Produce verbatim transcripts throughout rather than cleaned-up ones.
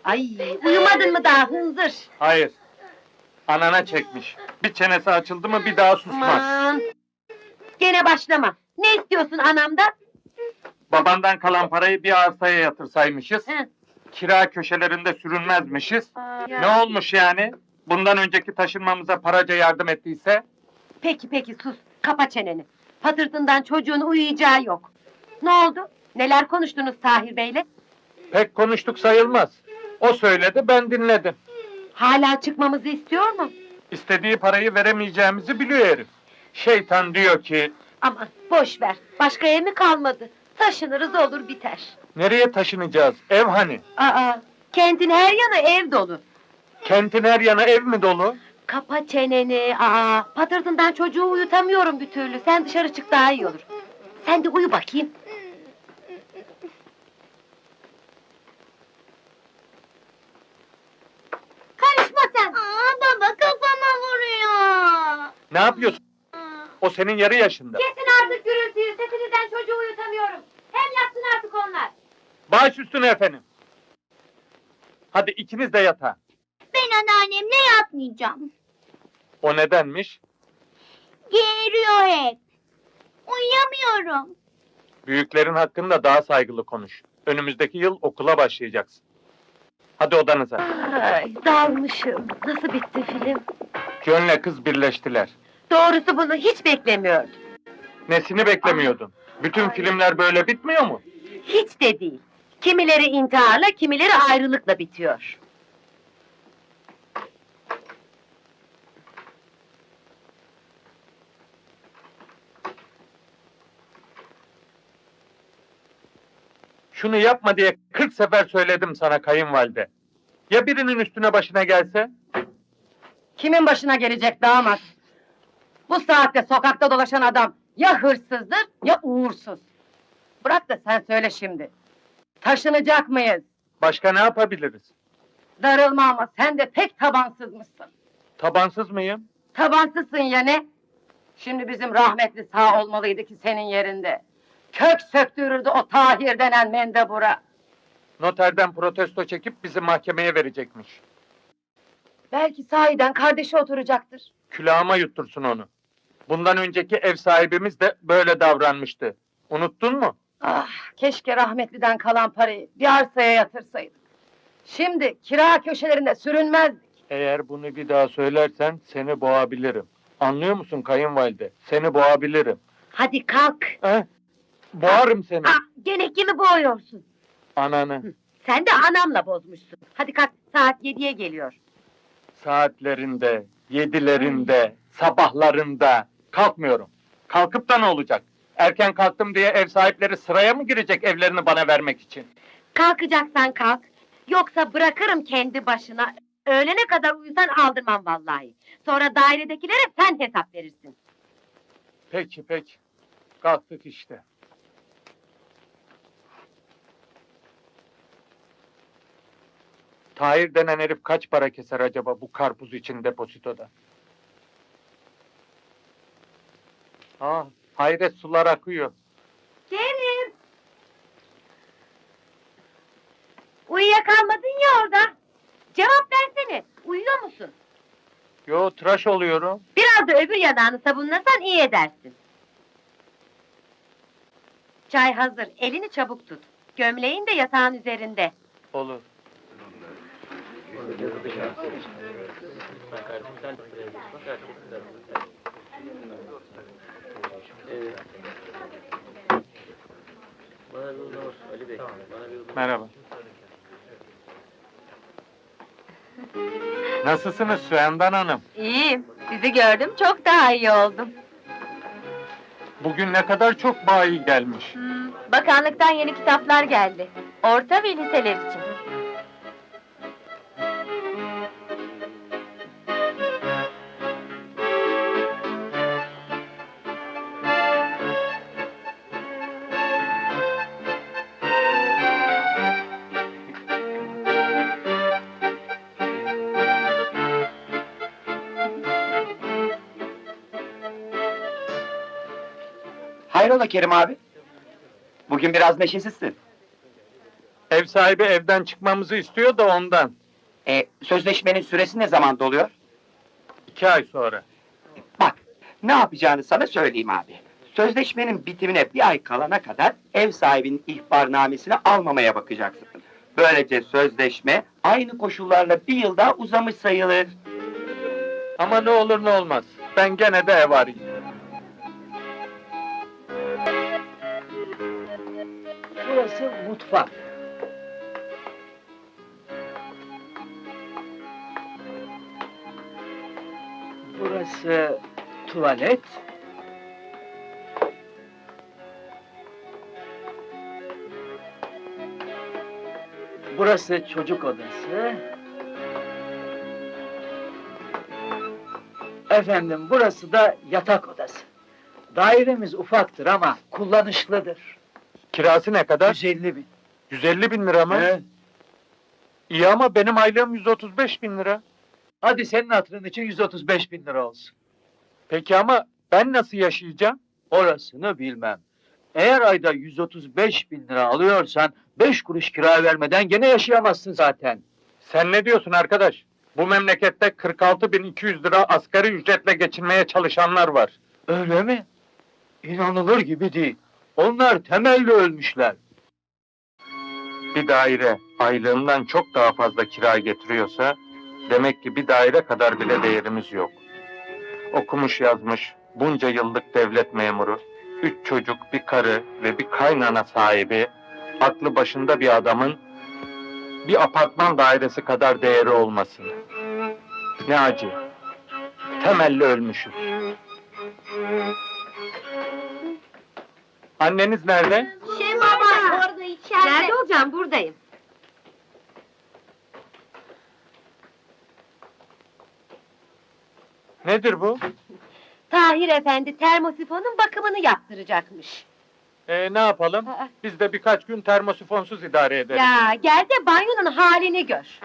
Ay, uyumadın mı daha hınzır? Hayır. Anana çekmiş. Bir çenesi açıldı mı bir daha susmaz. Aman! Gene başlama. Ne istiyorsun anamdan? Babandan kalan parayı bir arsaya yatırsaymışız. Hı. Kira köşelerinde sürünmezmişiz. Ne olmuş yani? Bundan önceki taşınmamıza paraca yardım ettiyse? Peki peki sus, kapa çeneni. Patırtından çocuğun uyuyacağı yok. Ne oldu? Neler konuştunuz Tahir Bey'le? Pek konuştuk sayılmaz. O söyledi, ben dinledim. Hala çıkmamızı istiyor mu? İstediği parayı veremeyeceğimizi biliyor herif. Şeytan diyor ki... Aman boş ver, başka ev mi kalmadı? Taşınırız olur biter. Nereye taşınacağız? Ev hani? Aa, kentin her yanı ev dolu. Kentin her yanı ev mi dolu? Kapa çeneni, aa, patırtından çocuğu uyutamıyorum bir türlü. Sen dışarı çık daha iyi olur. Sen de uyu bakayım. Karışma sen! Aa, baba kafama vuruyor. Ne yapıyorsun? O senin yarı yaşında. Kesin artık gürültüyü, sesinizden çocuğu uyutamıyorum. Hem yatsın artık onlar. Baş üstüne efendim. Hadi ikiniz de yatağa. Ben anneannemle yatmayacağım. O nedenmiş? Geğiriyor hep. Uyuyamıyorum. Büyüklerin hakkında daha saygılı konuş. Önümüzdeki yıl okula başlayacaksın. Hadi odanıza. Ay, dalmışım. Nasıl bitti film? John'le kız birleştiler. Doğrusu bunu hiç beklemiyordum. Nesini beklemiyordun? Bütün filmler böyle bitmiyor mu? Hiç de değil. Kimileri intiharla, kimileri ayrılıkla bitiyor. Şunu yapma diye kırk sefer söyledim sana kayınvalide. Ya birinin üstüne başına gelse? Kimin başına gelecek damat? Bu saatte sokakta dolaşan adam ya hırsızdır ya uğursuz. Bırak da sen söyle şimdi. Taşınacak mıyız? Başka ne yapabiliriz? Darılma ama sen de pek tabansızmışsın. Tabansız mıyım? Tabansızsın ya ne? Şimdi bizim rahmetli sağ olmalıydı ki senin yerinde. Kök söktürürdü o Tahir denen mendebura. Noterden protesto çekip bizi mahkemeye verecekmiş. Belki sahiden kardeşi oturacaktır. Külahıma yuttursun onu. Bundan önceki ev sahibimiz de böyle davranmıştı. Unuttun mu? Ah, keşke rahmetliden kalan parayı bir arsaya yatırsaydık. Şimdi kira köşelerinde sürünmezdik. Eğer bunu bir daha söylersen seni boğabilirim. Anlıyor musun kayınvalide? Seni boğabilirim. Hadi kalk. He? Boğarım seni. Ah, gene kimi boğuyorsun? Ananı. Sen de anamla bozmuşsun. Hadi kalk, saat yediye geliyor. Saatlerinde, yedilerinde, sabahlarında kalkmıyorum. Kalkıp da ne olacak? Erken kalktım diye ev sahipleri sıraya mı girecek evlerini bana vermek için? Kalkacaksan kalk. Yoksa bırakırım kendi başına. Öğlene kadar uyusan aldırmam vallahi. Sonra dairedekilere sen hesap verirsin. Peki peki. Kalktık işte. Tahir denen herif kaç para keser acaba bu karpuz için depozitoda? Ah, hayret sular akıyor. Kerim! Uyuyakalmadın ya orada. Cevap versene, uyuyor musun? Yo, tıraş oluyorum. Biraz da öbür yanağını sabunlasan iyi edersin. Çay hazır, elini çabuk tut. Gömleğin de yatağın üzerinde. Olur. Merhaba. Nasılsınız Süendan Hanım? İyiyim, sizi gördüm çok daha iyi oldum. Bugün ne kadar çok bayi gelmiş. Hmm, bakanlıktan yeni kitaplar geldi. Orta ve liseler için. Hayrola Kerim abi? Bugün biraz neşesizsin. Ev sahibi evden çıkmamızı istiyor da ondan. E, sözleşmenin süresi ne zaman doluyor? İki ay sonra. Bak, ne yapacağını sana söyleyeyim abi. Sözleşmenin bitimine bir ay kalana kadar ev sahibinin ihbarnamesini almamaya bakacaksın. Böylece sözleşme aynı koşullarla bir yıl daha uzamış sayılır. Ama ne olur ne olmaz. Ben gene de ev arayayım. Burası mutfak. Burası tuvalet. Burası çocuk odası. Efendim, burası da yatak odası. Dairemiz ufaktır ama kullanışlıdır. Kirası ne kadar? yüz elli bin. yüz elli bin lira mı? Evet. İyi ama benim aylığım yüz otuz beş bin lira. Hadi senin hatırın için yüz otuz beş bin lira olsun. Peki ama ben nasıl yaşayacağım? Orasını bilmem. Eğer ayda yüz otuz beş bin lira alıyorsan, beş kuruş kira vermeden gene yaşayamazsın zaten. Sen ne diyorsun arkadaş? Bu memlekette kırk altı bin iki yüz lira asgari ücretle geçinmeye çalışanlar var. Öyle mi? İnanılır gibi değil. Onlar temelli ölmüşler. Bir daire aylığımdan çok daha fazla kira getiriyorsa demek ki bir daire kadar bile değerimiz yok. Okumuş yazmış bunca yıllık devlet memuru, üç çocuk, bir karı ve bir kaynana sahibi, aklı başında bir adamın bir apartman dairesi kadar değeri olmasın. Ne acı. Temelli ölmüşüz. Anneniz nerede? Şey baba orada içeride. Nerede olacağım? Buradayım. Nedir bu? Tahir Efendi termosifonun bakımını yaptıracakmış. Ee, ne yapalım? Aa. Biz de birkaç gün termosifonsuz idare ederiz. Ya gel de banyonun halini gör.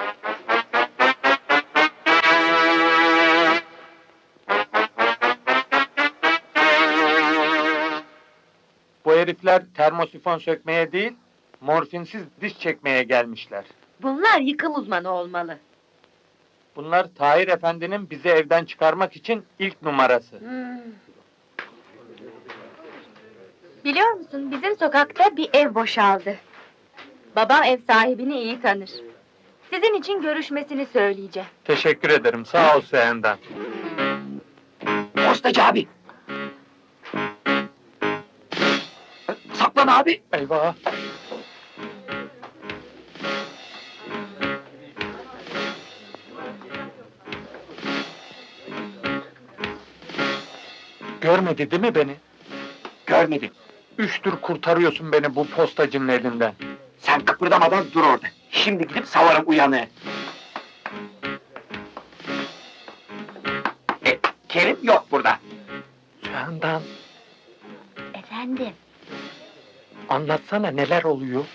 Bu herifler termosifon sökmeye değil, morfinsiz diş çekmeye gelmişler. Bunlar yıkım uzmanı olmalı. Bunlar Tahir Efendi'nin bizi evden çıkarmak için ilk numarası. Biliyor musun, bizim sokakta bir ev boşaldı. Babam ev sahibini iyi tanır. Sizin için görüşmesini söyleyeceğim. Teşekkür ederim, sağ ol Seyen'den. Postacı abi! Saklan abi! Eyvah! Görmedi değil mi beni? Görmedim. Üçtür kurtarıyorsun beni bu postacının elinden. Sen kıpırdamadan dur orada. Şimdi gidip savarım uyanığı. E, Kerim yok burada. Seyen'den Efendim, anlatsana neler oluyor?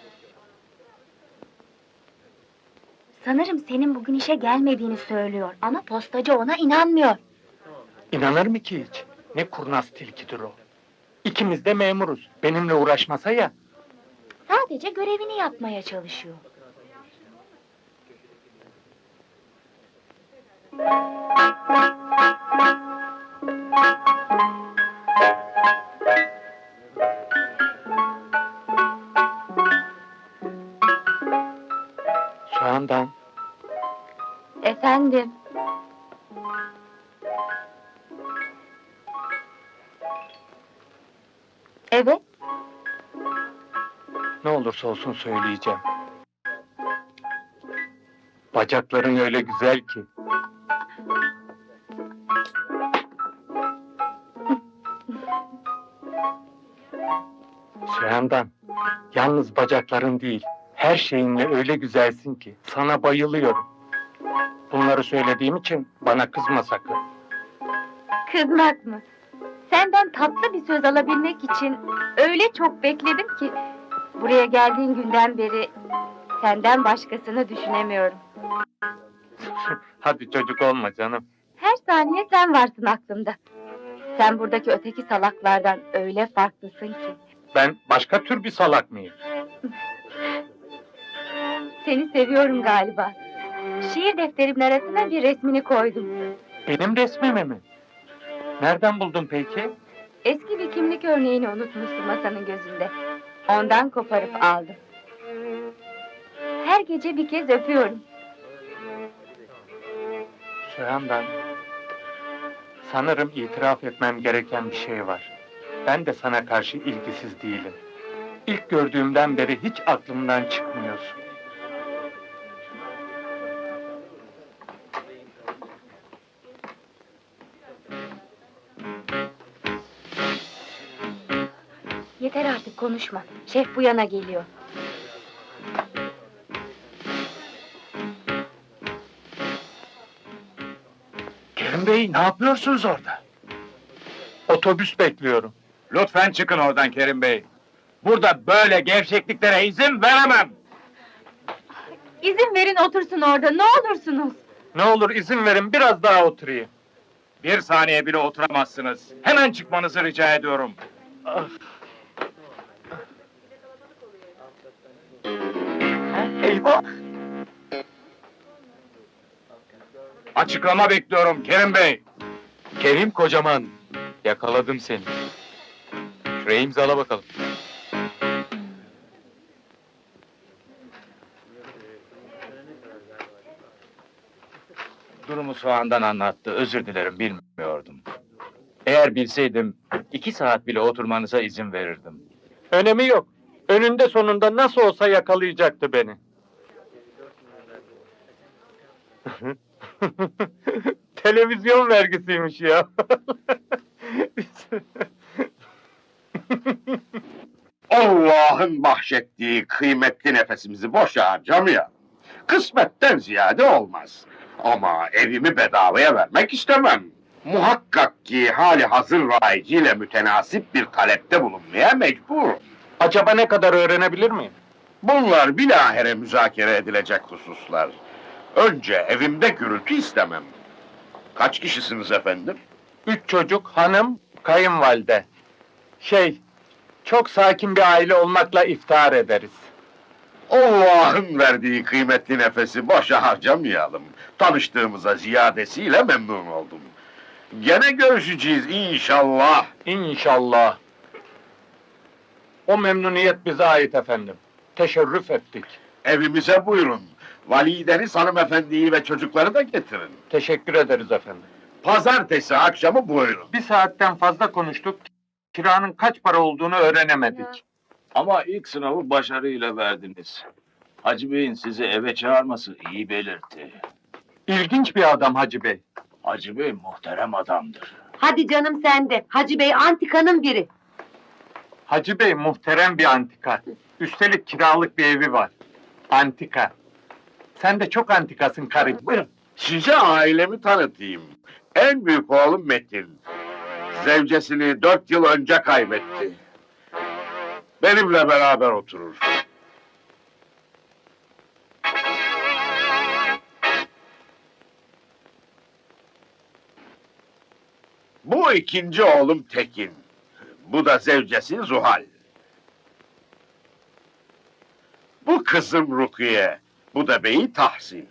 sanırım senin bugün işe gelmediğini söylüyor ama postacı ona inanmıyor. İnanır mı ki hiç? Ne kurnaz tilkidir o. İkimiz de memuruz. Benimle uğraşmasa ya. Sadece görevini yapmaya çalışıyor. Seyen'den Efendim, evet, ne olursa olsun söyleyeceğim. Bacakların öyle güzel ki. Süheyman'dan, yalnız bacakların değil, her şeyinle öyle güzelsin ki, sana bayılıyorum. Bunları söylediğim için bana kızma sakın. kızmak mı? Senden tatlı bir söz alabilmek için öyle çok bekledim ki... ...buraya geldiğin günden beri senden başkasını düşünemiyorum. Hadi çocuk olma canım. Her saniye sen varsın aklımda. Sen buradaki öteki salaklardan öyle farklısın ki. Ben başka tür bir salak mıyım? Seni seviyorum galiba. Şiir defterimin arasına bir resmini koydum. Benim resmimi mi? Nereden buldun peki? Eski bir kimlik örneğini unutmuştum masanın gözünde. Ondan koparıp aldım. Her gece bir kez öpüyorum. Sühandan, sanırım itiraf etmem gereken bir şey var. Ben de sana karşı ilgisiz değilim. İlk gördüğümden beri hiç aklımdan çıkmıyorsun. Yeter artık konuşma. Şef bu yana geliyor. Kerim Bey, ne yapıyorsunuz orada? Otobüs bekliyorum. Lütfen çıkın oradan Kerim Bey. Burada böyle gevşekliklere izin veremem. İzin verin otursun orada, ne olursunuz. Ne olur izin verin biraz daha oturayım. Bir saniye bile oturamazsınız. Hemen çıkmanızı rica ediyorum. Eyvah! Açıklama bekliyorum Kerim Bey. Kerim kocaman, yakaladım seni. Şuraya imzala bakalım. Durumu soğandan anlattı. Özür dilerim, bilmiyordum. Eğer bilseydim, iki saat bile oturmanıza izin verirdim. Önemi yok. Önünde sonunda nasıl olsa yakalayacaktı beni. Televizyon vergisiymiş ya. Allah'ın bahşettiği kıymetli nefesimizi boşa harcamayalım. Kısmetten ziyade olmaz. Ama evimi bedavaya vermek istemem. Muhakkak ki hali hazır rayiciyle mütenasip bir talepte bulunmaya mecburum. Acaba ne kadar öğrenebilir miyim? Bunlar bilahare müzakere edilecek hususlar. Önce evimde gürültü istemem. Kaç kişisiniz efendim? Üç çocuk, hanım, kayınvalide. Şey, çok sakin bir aile olmakla iftihar ederiz. Allah'ın verdiği kıymetli nefesi boşa harcamayalım. Tanıştığımıza ziyadesiyle memnun oldum. Gene görüşeceğiz inşallah. İnşallah. O memnuniyet bize ait efendim. Teşerrüf ettik. Evimize buyurun. Valideniz hanımefendiyi ve çocukları da getirin. Teşekkür ederiz efendim. Pazartesi akşamı buyurun. Bir saatten fazla konuştuk. Kiranın kaç para olduğunu öğrenemedik. Ama ilk sınavı başarıyla verdiniz. Hacı Bey'in sizi eve çağırması iyi belirtti. İlginç bir adam Hacı Bey. Hacı Bey muhterem adamdır. Hadi canım sen de. Hacı Bey antikanın biri. Hacı Bey muhterem bir antika. Üstelik kiralık bir evi var. Antika. Sen de çok antikasın karı. Buyurun. Size ailemi tanıtayım. En büyük oğlum Metin. Zevcesini dört yıl önce kaybetti. Benimle beraber oturur. Bu ikinci oğlum Tekin. Bu da zevcesi Zuhal. Bu kızım Rukiye. Bu da beyi Tahsin.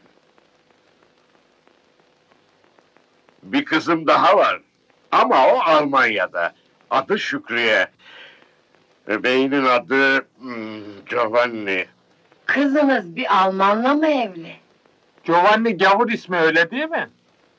Bir kızım daha var. Ama o Almanya'da. Adı Şükriye. Beyinin adı hmm, Giovanni. Kızınız bir Almanla mı evli? Giovanni gavur ismi öyle değil mi?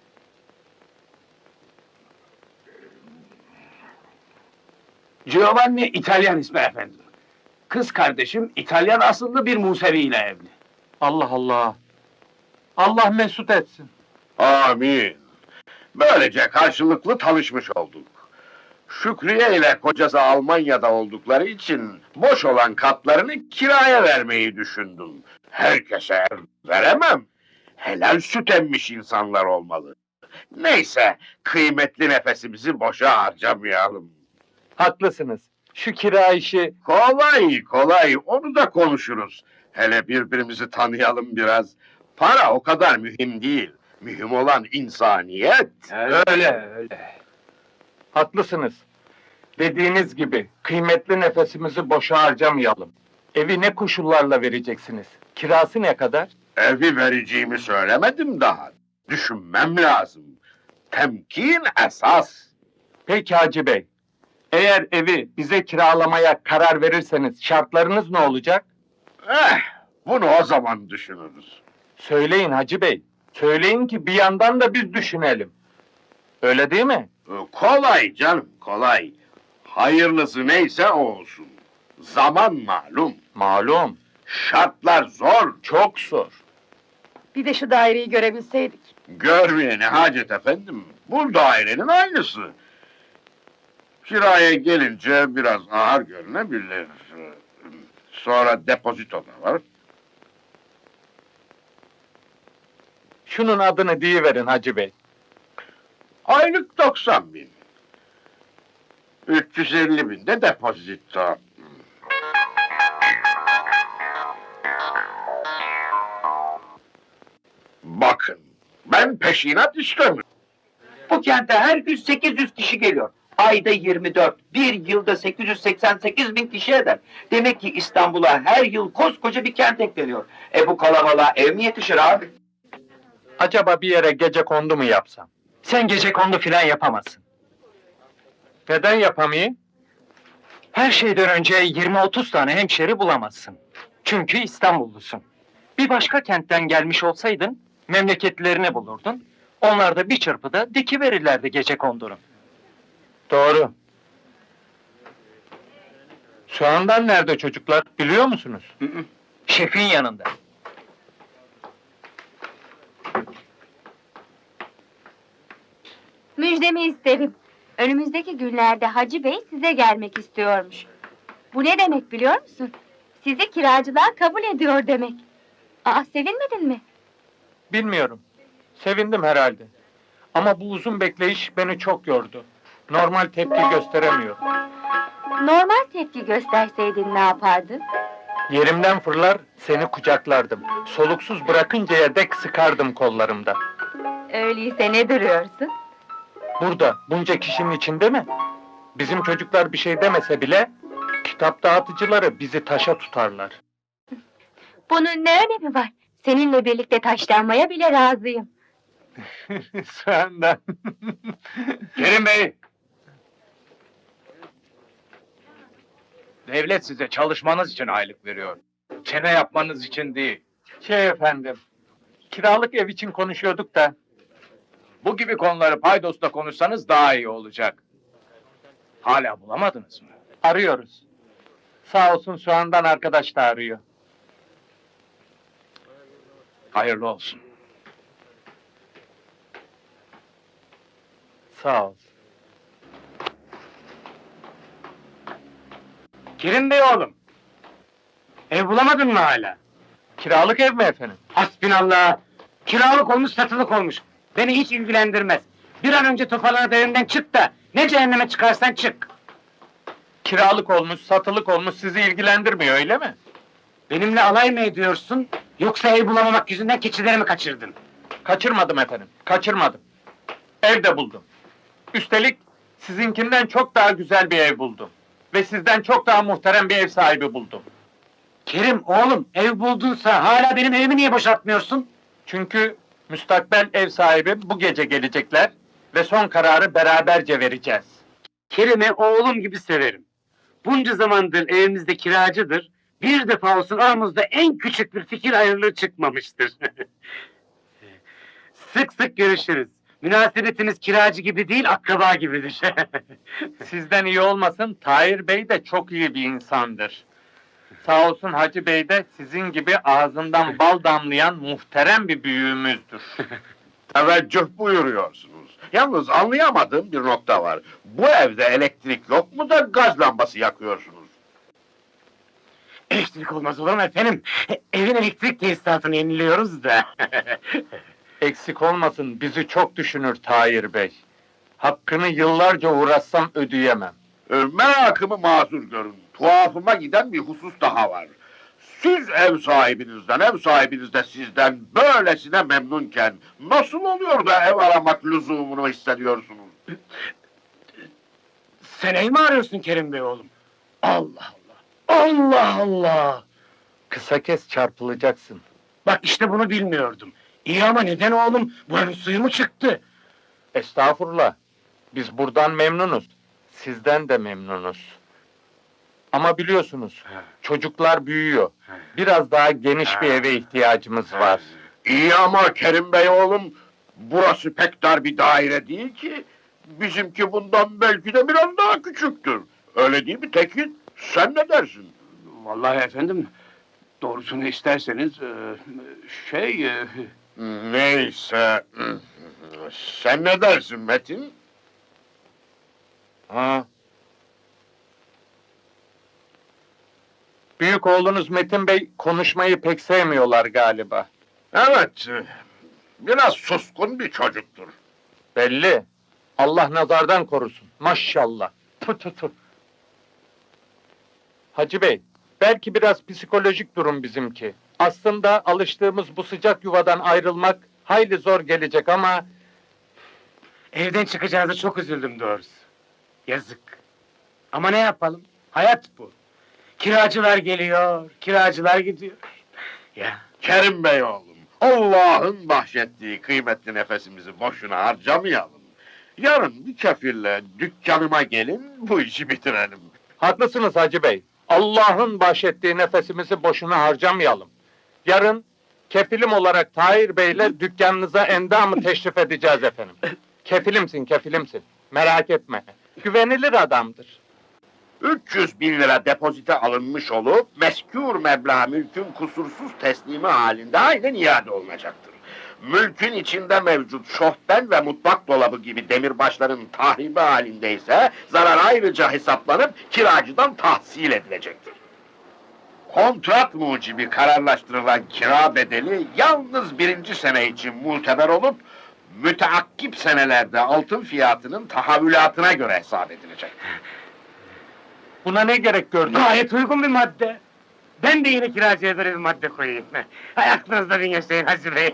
Giovanni İtalyan ismi efendim. Kız kardeşim İtalyan asıllı bir Musevi ile evli. Allah Allah. Allah mesut etsin. Amin. Böylece karşılıklı tanışmış olduk. Şükriye ile kocası Almanya'da oldukları için boş olan katlarını kiraya vermeyi düşündüm. Herkese veremem. Helal süt emmiş insanlar olmalı. Neyse, kıymetli nefesimizi boşa harcamayalım. Haklısınız. Şu kira işi... Kolay kolay, onu da konuşuruz. Hele birbirimizi tanıyalım biraz. Para o kadar mühim değil. Mühim olan insaniyet. Öyle, öyle. Haklısınız. Dediğiniz gibi kıymetli nefesimizi boşa harcamayalım. Evi ne koşullarla vereceksiniz? Kirası ne kadar? Evi vereceğimi söylemedim daha. Düşünmem lazım. Temkin esas. Peki Hacı Bey. Eğer evi bize kiralamaya karar verirseniz şartlarınız ne olacak? Eh, bunu o zaman düşünürüz. Söyleyin Hacı Bey. Söyleyin ki bir yandan da biz düşünelim. Öyle değil mi? Ee, Kolay canım, kolay. Hayırlısı neyse o olsun. Zaman malum. Malum. Şartlar zor. Çok zor. Bir de şu daireyi görebilseydik. Görmeye ne hacet efendim. Bu dairenin aynısı. Kiraya gelince biraz ağır görünebilir. Sonra depozito da var. Şunun adını deyiverin Hacı Bey. Aylık doksan bin. üç yüz elli bin de depozito. Bakın, ben peşinat istemiyorum. Bu kente her gün sekiz yüz kişi geliyor. Ayda yirmi dört, bir yılda sekiz yüz seksen sekiz bin kişi eder. Demek ki İstanbul'a her yıl koskoca bir kent ekleniyor. E bu kalabalığa ev mi yetişir abi? Acaba bir yere gece kondu mu yapsam? Sen gece kondu filan yapamazsın. Neden yapamayayım? Her şeyden önce yirmi otuz tane hemşeri bulamazsın. Çünkü İstanbullusun. Bir başka kentten gelmiş olsaydın, memleketlerini bulurdun. Onlar da bir çırpıda dikiverirlerdi gece kondunu. Doğru. Şu anda nerede çocuklar biliyor musunuz? Şefin yanında. Müjdemi isterim. Önümüzdeki günlerde Hacı Bey size gelmek istiyormuş. Bu ne demek biliyor musun? Sizi kiracılığa kabul ediyor demek. Aa, sevinmedin mi? Bilmiyorum. Sevindim herhalde. Ama bu uzun bekleyiş beni çok yordu. Normal tepki gösteremiyorum. Normal tepki gösterseydin ne yapardın? Yerimden fırlar, seni kucaklardım. Soluksuz bırakıncaya dek sıkardım kollarımda. Öyleyse ne duruyorsun? Burada, bunca kişinin içinde mi? Bizim çocuklar bir şey demese bile, kitap dağıtıcıları bizi taşa tutarlar. Bunun ne önemi var? Seninle birlikte taşlanmaya bile razıyım. Senden. Kerim Bey! Devlet size çalışmanız için aylık veriyor. Çene yapmanız için değil. Şey efendim, kiralık ev için konuşuyorduk da, Bu gibi konuları paydosla konuşsanız daha iyi olacak. Hala bulamadınız mı? arıyoruz. Sağ olsun Soğan'dan arkadaş da arıyor. Hayırlı olsun. Sağ ol. Kerim Bey oğlum. Ev bulamadın mı hala? Kiralık ev mi efendim? Hasbinallah. Kiralık olmuş, satılık olmuş. Beni hiç ilgilendirmez. Bir an önce toparlanıp evimden çık da ne cehenneme çıkarsan çık. Kiralık olmuş, satılık olmuş sizi ilgilendirmiyor öyle mi? Benimle alay mı ediyorsun? Yoksa ev bulamamak yüzünden keçileri mi kaçırdın? Kaçırmadım efendim, kaçırmadım. Ev de buldum. Üstelik sizinkinden çok daha güzel bir ev buldum. Ve sizden çok daha muhterem bir ev sahibi buldum. Kerim oğlum, ev buldunsa hala benim evimi niye boşaltmıyorsun? Çünkü müstakbel ev sahibi bu gece gelecekler ve son kararı beraberce vereceğiz. Kerim'i oğlum gibi severim. Bunca zamandır evimizde kiracıdır. Bir defa olsun aramızda en küçük bir fikir ayrılığı çıkmamıştır. Sık sık görüşürüz. Münasebetimiz kiracı gibi değil, akraba gibidir. Sizden iyi olmasın, Tahir Bey de çok iyi bir insandır. Sağ olsun Hacı Bey de sizin gibi ağzından bal damlayan muhterem bir büyüğümüzdür. Teveccüh buyuruyorsunuz. Yalnız anlayamadığım bir nokta var. Bu evde elektrik yok mu da gaz lambası yakıyorsunuz? Elektrik olmaz olur mu efendim? Evin elektrik tesisatını yeniliyoruz da. Eksik olmasın, bizi çok düşünür Tahir Bey. Hakkını yıllarca uğraşsam ödeyemem. Ee, merakımı mazur görün. Tuhafıma giden bir husus daha var. Siz ev sahibinizden, ev sahibiniz de sizden böylesine memnunken nasıl oluyor da ev aramak lüzumunu hissediyorsunuz? Sen ev mi arıyorsun Kerim Bey oğlum? Allah Allah! Allah Allah! Kısa kes, çarpılacaksın. Bak işte bunu bilmiyordum. İyi ama neden oğlum? Buranın suyu mu çıktı? Estağfurullah. Biz buradan memnunuz. Sizden de memnunuz. Ama biliyorsunuz, çocuklar büyüyor. Biraz daha geniş bir eve ihtiyacımız var. İyi ama Kerim Bey oğlum, burası pek dar bir daire değil ki. Bizimki bundan belki de biraz daha küçüktür. Öyle değil mi Tekin? Sen ne dersin? Vallahi efendim, doğrusunu isterseniz e, şey e, Neyse. Sen ne dersin Metin? Ha. Büyük oğlunuz Metin Bey konuşmayı pek sevmiyorlar galiba. Evet, biraz suskun bir çocuktur. Belli. Allah nazardan korusun. Maşallah. Tu tu tu. Hacı Bey, belki biraz psikolojik durum bizimki. Aslında alıştığımız bu sıcak yuvadan ayrılmak hayli zor gelecek ama evden çıkacağınıza çok üzüldüm doğrusu. Yazık. Ama ne yapalım? Hayat bu. Kiracılar geliyor, kiracılar gidiyor. Ya. Kerim Bey oğlum, Allah'ın bahşettiği kıymetli nefesimizi boşuna harcamayalım. Yarın bir kefille dükkanıma gelin, bu işi bitirelim. haklısınız Hacı Bey. Allah'ın bahşettiği nefesimizi boşuna harcamayalım. Yarın kefilim olarak Tahir Bey'le dükkanınıza endamı teşrif edeceğiz efendim. Kefilimsin, kefilimsin. Merak etme. Güvenilir adamdır. üç yüz bin lira depozite alınmış olup, meskûr meblağ mülkün kusursuz teslimi halinde aynen iade olunacaktır. Mülkün içinde mevcut şofben ve mutfak dolabı gibi demirbaşların tahribi halindeyse, zarar ayrıca hesaplanıp kiracıdan tahsil edilecektir. Kontrat mucibi kararlaştırılan kira bedeli yalnız birinci sene için muteber olup, müteakkip senelerde altın fiyatının tahavülatına göre hesap edilecek. Buna ne gerek gördün? Gayet uygun bir madde. Ben de yine kiracıya böyle bir madde koyayım. Hay aklınızda bin yaşayın Hacı Bey.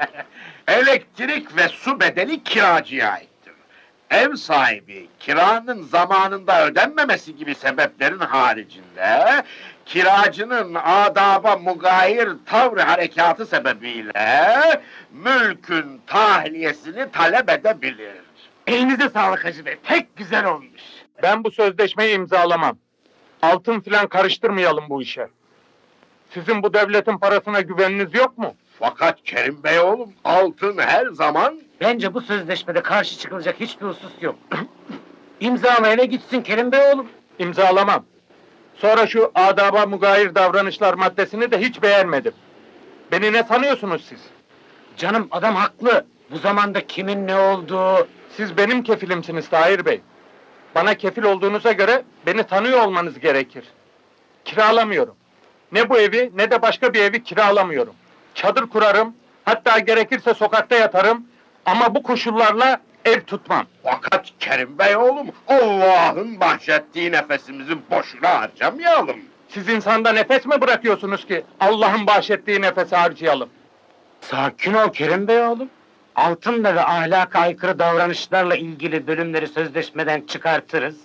Elektrik ve su bedeli kiracıya aittir. Ev sahibi kiranın zamanında ödenmemesi gibi sebeplerin haricinde, kiracının adaba mugayir tavr harekatı sebebiyle mülkün tahliyesini talep edebilir. Elinize sağlık Hacı Bey, pek güzel olmuş. Ben bu sözleşmeyi imzalamam. Altın filan karıştırmayalım bu işe. Sizin bu devletin parasına güveniniz yok mu? Fakat Kerim Bey oğlum, altın her zaman... Bence bu sözleşmede karşı çıkılacak hiçbir husus yok. İmzalayana gitsin Kerim Bey oğlum. İmzalamam. Sonra şu adaba mugayir davranışlar maddesini de hiç beğenmedim. Beni ne sanıyorsunuz siz? Canım adam haklı. Bu zamanda kimin ne olduğu... Siz benim kefilimsiniz Tahir Bey. Bana kefil olduğunuza göre beni tanıyor olmanız gerekir. Kiralamıyorum. Ne bu evi ne de başka bir evi kiralamıyorum. Çadır kurarım, hatta gerekirse sokakta yatarım ama bu koşullarla ev tutmam. Fakat Kerim Bey oğlum, Allah'ın bahşettiği nefesimizi boşuna harcamayalım. Siz insanda nefes mi bırakıyorsunuz ki Allah'ın bahşettiği nefesi harcayalım? Sakin ol Kerim Bey oğlum. Altınla ve ahlaka aykırı davranışlarla ilgili bölümleri sözleşmeden çıkartırız.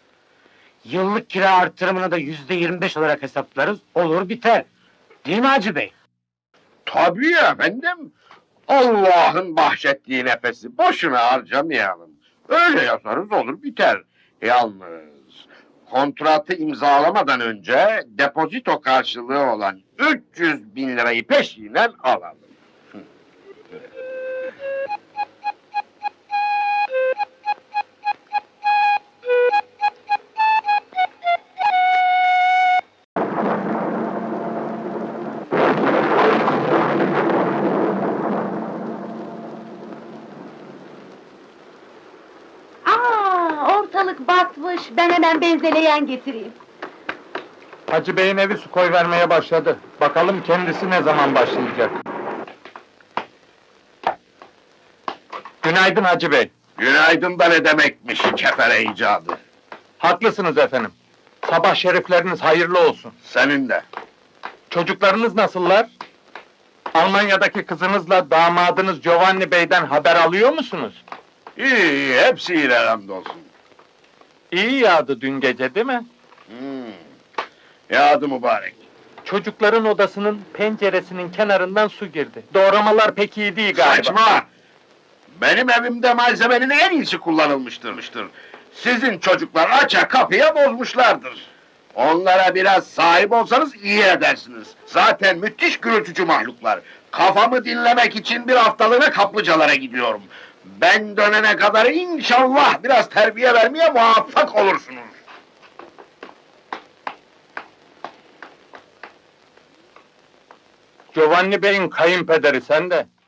Yıllık kira artırımını da yüzde yirmi beş olarak hesaplarız. Olur biter. Değil mi Hacı Bey? Tabii efendim. Allah'ın bahşettiği nefesi boşuna harcamayalım. Öyle yazarız olur biter. Yalnız kontratı imzalamadan önce depozito karşılığı olan üç yüz bin lirayı peşinen alalım. Aa, ortalık batmış. Ben hemen benzeleyen getireyim. Hacı Bey'in evi su koyvermeye başladı. Bakalım kendisi ne zaman başlayacak. Günaydın Hacı Bey. Günaydın da ne demekmiş kefere icadı. Haklısınız efendim. Sabah şerifleriniz hayırlı olsun. Senin de. Çocuklarınız nasıllar? Almanya'daki kızınızla damadınız Giovanni Bey'den haber alıyor musunuz? İyi iyi, hepsi iyiler hamdolsun. İyi yağdı dün gece değil mi? Hmm. Yağdı mübarek. Çocukların odasının penceresinin kenarından su girdi. Doğramalar pek iyi değil galiba. Saçma! Benim evimde malzemenin en iyisi kullanılmıştır. Sizin çocuklar aça kapıya bozmuşlardır. Onlara biraz sahip olsanız iyi edersiniz. Zaten müthiş gürültücü mahluklar. Kafamı dinlemek için bir haftalığına kaplıcalara gidiyorum. Ben dönene kadar inşallah biraz terbiye vermeye muvaffak olursunuz. Giovanni Bey'in kayınpederi sen de.